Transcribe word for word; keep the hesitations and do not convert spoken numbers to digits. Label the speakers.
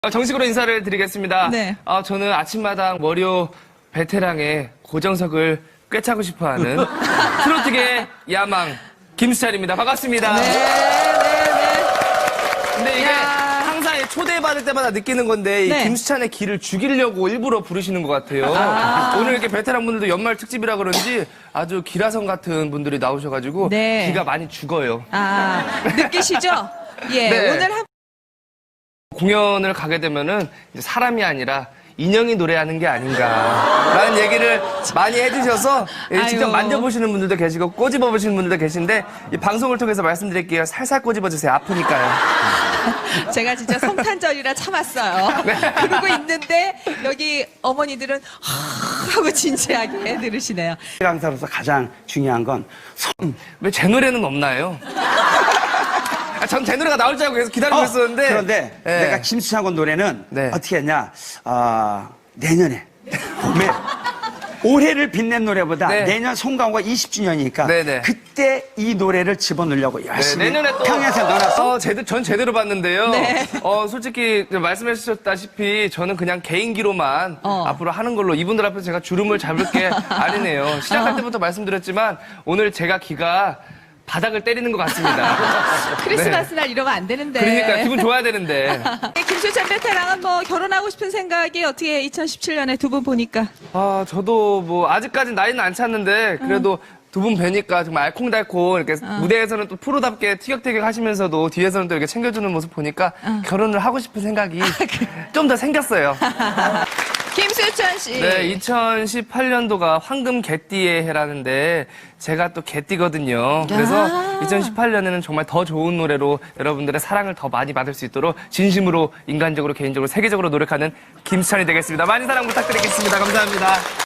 Speaker 1: 정식으로 인사를 드리겠습니다.
Speaker 2: 네.
Speaker 1: 아, 저는 아침마당 월요 베테랑의 고정석을 꿰차고 싶어하는 트로트계 야망 김수찬입니다. 반갑습니다.
Speaker 2: 네, 네, 네.
Speaker 1: 근데 이게
Speaker 2: 야.
Speaker 1: 항상 초대받을 때마다 느끼는 건데 이
Speaker 2: 네.
Speaker 1: 김수찬의 기를 죽이려고 일부러 부르시는 것 같아요.
Speaker 2: 아.
Speaker 1: 오늘 이렇게 베테랑 분들도 연말 특집이라 그런지 아주 기라성 같은 분들이 나오셔가지고
Speaker 2: 네.
Speaker 1: 기가 많이 죽어요.
Speaker 2: 아, 느끼시죠? 예,
Speaker 1: 네.
Speaker 2: 오늘 한
Speaker 1: 공연을 가게 되면은 이제 사람이 아니라 인형이 노래하는 게 아닌가라는 얘기를 많이 해주셔서 직접
Speaker 2: 아유.
Speaker 1: 만져보시는 분들도 계시고 꼬집어보시는 분들도 계신데 이 방송을 통해서 말씀드릴게요. 살살 꼬집어주세요. 아프니까요.
Speaker 2: 제가 진짜 성탄절이라 참았어요.
Speaker 1: 네.
Speaker 2: 그러고 있는데 여기 어머니들은 하- 하고 진지하게 들으시네요.
Speaker 3: 강사로서 가장 중요한 건
Speaker 1: 왜 제 노래는 없나요? 아, 전 제 노래가 나올 줄 알고 계속 기다리고
Speaker 3: 어,
Speaker 1: 있었는데
Speaker 3: 그런데
Speaker 1: 네.
Speaker 3: 내가 김수찬 군 노래는
Speaker 1: 네.
Speaker 3: 어떻게 했냐 아, 내년에 봄에 올해를 빛낸 노래보다
Speaker 1: 네.
Speaker 3: 내년 송가호가 이십 주년이니까
Speaker 1: 네, 네.
Speaker 3: 그때 이 노래를 집어넣으려고
Speaker 1: 네,
Speaker 3: 열심히
Speaker 1: 내년에 또
Speaker 3: 평양에서 넣어놨어.
Speaker 1: 어, 제대, 전 제대로 봤는데요.
Speaker 2: 네.
Speaker 1: 어, 솔직히 말씀해 주셨다시피 저는 그냥 개인기로만
Speaker 2: 어.
Speaker 1: 앞으로 하는 걸로 이분들 앞에서 제가 주름을 잡을 게 아니네요. 시작할 때부터 말씀드렸지만 오늘 제가 기가 바닥을 때리는 것 같습니다.
Speaker 2: 크리스마스 날 이러면 안 되는데.
Speaker 1: 그러니까 기분 좋아야 되는데.
Speaker 2: 김수찬 베테랑은 뭐 결혼하고 싶은 생각이 어떻게 이천십칠 년에 두 분 보니까.
Speaker 1: 아, 저도 뭐 아직까지 나이는 안 찼는데 그래도 두 분 뵈니까 정말 알콩달콩 이렇게 무대에서는 또 프로답게 티격태격 하시면서도 뒤에서는 또 이렇게 챙겨주는 모습 보니까 결혼을 하고 싶은 생각이 좀 더 생겼어요.
Speaker 2: 김수찬 씨.
Speaker 1: 네, 이천십팔 년도가 황금 개띠의 해라는데 제가 또 개띠거든요. 그래서
Speaker 2: 아.
Speaker 1: 이천십팔 년에는 정말 더 좋은 노래로 여러분들의 사랑을 더 많이 받을 수 있도록 진심으로 인간적으로 개인적으로 세계적으로 노력하는 김수찬이 되겠습니다. 많이 사랑 부탁드리겠습니다. 감사합니다.